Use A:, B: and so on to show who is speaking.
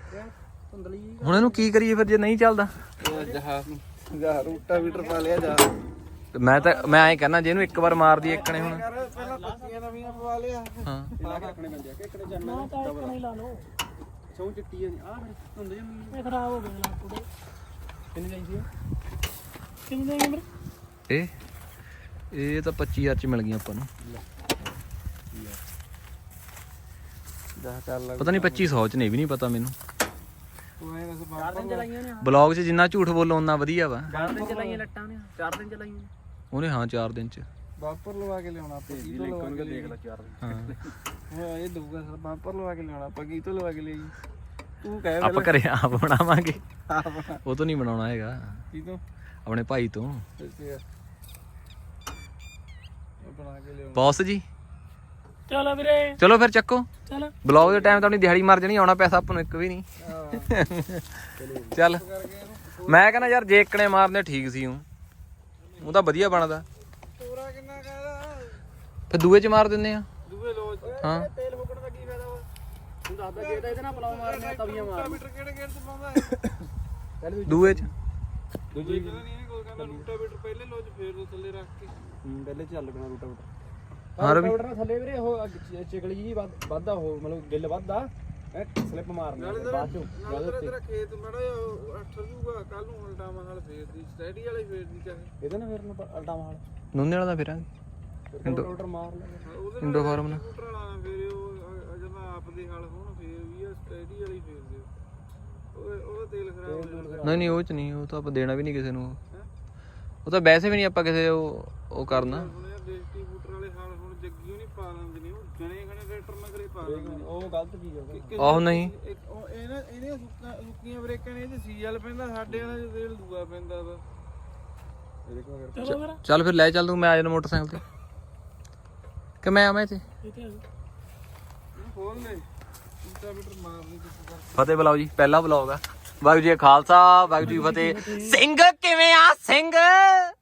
A: ਹੁਣ ਇਹਨੂੰ ਕੀ ਕਰੀਏ ਫਿਰ ਜੇ ਨਹੀਂ ਚੱਲਦਾ?
B: ਜਾ ਰੂਟਾ ਵੀਟਰ ਪਾ ਲਿਆ ਜਾ।
A: ਮੈਂ ਐਂ ਕਹਿੰਦਾ ਜੇ ਇਹਨੂੰ ਇੱਕ ਵਾਰ ਮਾਰ ਦੀ ਇੱਕ ਨੇ ਹੁਣ
B: ਪਹਿਲਾਂ ਪੱਤੀਆਂ ਨਵੀਆਂ ਪਵਾ ਲਿਆ।
A: ਹਾਂ
B: ਲਾ ਕੇ ਰੱਖਣੇ ਪੈਂਦੇ ਆ ਕਿ ਇੱਕਨੇ ਚੜਨਾ
C: ਨਾ ਤਾਂ ਇੱਕ ਨਹੀਂ ਲਾ ਲਓ
B: ਸੌਂ ਚਿੱਟੀ ਆ ਫਿਰ ਧੁੰਦ ਜੰਮੀ
C: ਇਹ ਖਰਾਬ ਹੋ ਗਏ ਲਾਪੂੜੇ
B: ਕਿੰਨੀ ਚਾਹੀਦੀ ਆ?
C: ਕਿੰਨੇ ਦੇ ਮੇਰੇ
A: ਇਹ ਤਾਂ 25000 ਚ ਮਿਲ ਗਈਆਂ ਆਪਾਂ ਨੂੰ।
B: ਜਾ ਕਰ ਲਾ
A: ਪਤਾ ਨਹੀਂ 2500 ਚ ਨਹੀਂ ਵੀ ਨਹੀਂ ਪਤਾ ਮੈਨੂੰ।
B: ਤੂੰ ਐ ਦੱਸ
C: 4 ਦਿਨ ਚਲਾਈਆਂ ਨੇ
A: ਬਲੌਗ 'ਚ ਜਿੰਨਾ ਝੂਠ ਬੋਲੋ ਉਨਾ ਵਧੀਆ ਵਾ।
C: 4 ਦਿਨ ਚਲਾਈਆਂ ਲੱਟਾਂ ਨੇ 4 ਦਿਨ ਚਲਾਈਆਂ ਨੇ
A: ਉਹਨੇ ਹਾਂ 4 ਦਿਨ ਚ।
B: ਬਾਂਪਰ ਲਵਾ ਕੇ ਲਿਆਉਣਾ ਆਪਾਂ ਕੀ ਤੋਂ ਲਵਾ ਕੇ ਦੇਖ ਲੈ 4
A: ਹਾਂ
B: ਹਾਂ ਇਹ ਦਊਗਾ ਸਰ ਬਾਂਪਰ ਲਵਾ ਕੇ ਲਿਆਉਣਾ ਆਪਾਂ ਕੀ ਤੋਂ ਲਵਾ ਕੇ ਲਿਆਈ? ਤੂੰ ਕਹਿ
A: ਆਪਾਂ ਘਰੇ ਆਪ ਬਣਾਵਾਂਗੇ।
B: ਪਹਿਲਾਂ
A: ਉਹ ਤੋਂ ਨਹੀਂ ਬਣਾਉਣਾ ਹੈਗਾ,
B: ਕੀ ਤੋਂ
A: ਆਪਣੇ ਭਾਈ ਤੋਂ।
B: ਇਹ ਬਣਾ ਕੇ ਲਿਆਉਣਾ।
A: ਬੌਸ ਜੀ
C: ਚਲੋ ਵੀਰੇ
A: ਚਲੋ ਫਿਰ ਚੱਕੋ।
C: ਚਲ
A: ਬਲੌਗ ਦੇ ਟਾਈਮ ਤਾਂ ਆਪਣੀ ਦਿਹਾੜੀ ਮਰ ਜਾਣੀ, ਆਉਣਾ ਪੈਸਾ ਆਪਾਂ ਨੂੰ ਇੱਕ ਵੀ ਨਹੀਂ। ਚੱਲ ਮੈਂ ਕਹਿੰਦਾ ਯਾਰ ਜੇ ਇੱਕਣੇ ਮਾਰਨੇ ਠੀਕ ਸੀ ਉਹ ਤਾਂ ਵਧੀਆ ਬਣਦਾ।
B: ਤੋਰਾ ਕਿੰਨਾ ਕਹਦਾ
A: ਫਿਰ ਦੂਏ ਚ ਮਾਰ ਦਿੰਦੇ ਆ।
B: ਦੂਏ ਲੋਜ
A: ਹਾਂ
B: ਤੇਲ ਫੁੱਕਣ ਦਾ ਕੀ ਫਾਇਦਾ ਵਾ?
C: ਤੂੰ ਦੱਸਦਾ ਜੇ ਤਾਂ ਇਹਦੇ ਨਾਲ ਪਲਾਉ ਮਾਰਨੇ ਤਵੀਆਂ ਮਾਰ
B: ਮੀਟਰ ਕਿਹੜੇ ਗੇੜ ਚ ਪਾਉਂਦਾ ਹੈ?
A: ਦੂਏ ਚ
B: ਦੂਜੀ ਕਹਿੰਦਾ ਨਹੀਂ ਕੋਈ ਕਹਿੰਦਾ ਰੂਟਾ ਮੀਟਰ ਪਹਿਲੇ ਲੋਜ ਫੇਰ ਦੋ ਥੱਲੇ ਰੱਖ ਕੇ ਪਹਿਲੇ ਚੱਲ ਲੱਗਣਾ ਰੂਟਾ ਮੀਟਰ।
A: ਹਾਂ ਰਵੀ
C: ਨਾਲ ਥੱਲੇ ਵੀਰੇ ਉਹ ਚਿਕਲੀ ਜੀ ਵੱਧਦਾ ਉਹ ਮਤਲਬ ਗਿੱਲ ਵੱਧਦਾ ਸਲਿੱਪ ਮਾਰਨਾ ਬਾਅਦ ਚੋਂ
B: ਨਾਲੇ ਤੇਰਾ ਖੇਤ ਮੜਾ ਅੱਠ ਜੂਗਾ ਕੱਲ ਨੂੰ ਉਲਟਾਵਾਂ ਨਾਲ ਫੇਰ ਦੀ ਸਟੈਡੀ ਵਾਲੇ ਫੇਰ ਦੀ ਚਾਹੇ
C: ਇਹਦੇ ਨਾਲ ਫਿਰ ਨੂੰ ਅਲਟਾ ਮਾਰ
A: ਨੂਨੇ ਵਾਲਾ ਦਾ ਫਿਰਾਂਗੇ
C: ਰੋਟਰ ਮਾਰ ਲੈ
B: ਉਹਦੇ
A: ਇੰਡੋ ਫਾਰਮ ਨਾਲ।
B: ਸਕੂਟਰ ਵਾਲਾ ਫੇਰ ਉਹ ਜਦੋਂ ਆਪ ਦੇ ਹਲ ਹੋਣ ਫੇਰ ਵੀ ਆ ਸਟੈਡੀ ਵਾਲੀ ਫੇਰ ਦਿਓ। ਉਹ ਤੇਲ ਖਰਾਬ ਹੋ ਜਾਂਦਾ।
A: ਨਹੀਂ ਉਹ ਚ ਨਹੀਂ, ਉਹ ਤਾਂ ਆਪਾਂ ਦੇਣਾ ਵੀ ਨਹੀਂ ਕਿਸੇ ਨੂੰ। ਉਹ ਤਾਂ ਵੈਸੇ ਵੀ ਨਹੀਂ ਆਪਾਂ ਕਿਸੇ ਉਹ ਕਰਨਾ।
B: ਹੁਣ ਯਾਰ ਦੇਸੀ ਬੂਟਰ ਵਾਲੇ ਹਲ ਹੁਣ ਜੱਗੀ ਨਹੀਂ ਪਾ ਲੈਂਦੇ ਨੇ, ਉਹ ਜਣੇ ਖਣੇ ਟਰੈਕਟਰ ਨਾਲ ਕਰੇ ਪਾ ਲੈਂਦੇ ਨੇ।
C: ਉਹ ਗਲਤ ਚੀਜ਼ ਆ
A: ਆਹੋ ਨਹੀਂ
B: ਇਹਨੇ ਸੁੱਕੀਆਂ ਬ੍ਰੇਕਾਂ ਨੇ, ਇਹਦੇ ਸੀਐਲ ਪੈਂਦਾ, ਸਾਡੇ ਵਾਲਾ ਚ ਤੇਲ ਦੂਆ ਪੈਂਦਾ ਵਾ।
C: ਚਲੋ ਫਿਰ
A: ਚੱਲ ਫਿਰ ਲੈ ਚੱਲ ਤੂੰ, ਮੈਂ ਆ ਜਾਣਾ ਮੋਟਰਸਾਈਕਲ ਤੇ ਕਿ ਮੈਂ ਆਵਾਂ ਇੱਥੇ।
C: ਇਹ ਤੇ
B: ਖੋਲ ਲੈ ਰੂਟਾ ਮੀਟਰ ਮਾਰ ਲਈ ਕਿਸ ਕਰ।
A: ਫਤਿਹ ਬੁਲਾਓ ਜੀ, ਪਹਿਲਾ ਬਲੌਗ ਆ। ਵਾਹਿਗੁਰੂ ਜੀ ਕਾ ਖਾਲਸਾ ਵਾਹਿਗੁਰੂ ਜੀ ਕੀ ਫਤਿਹ। ਸਿੰਘ ਕਿਵੇਂ ਆ ਸਿੰਘ?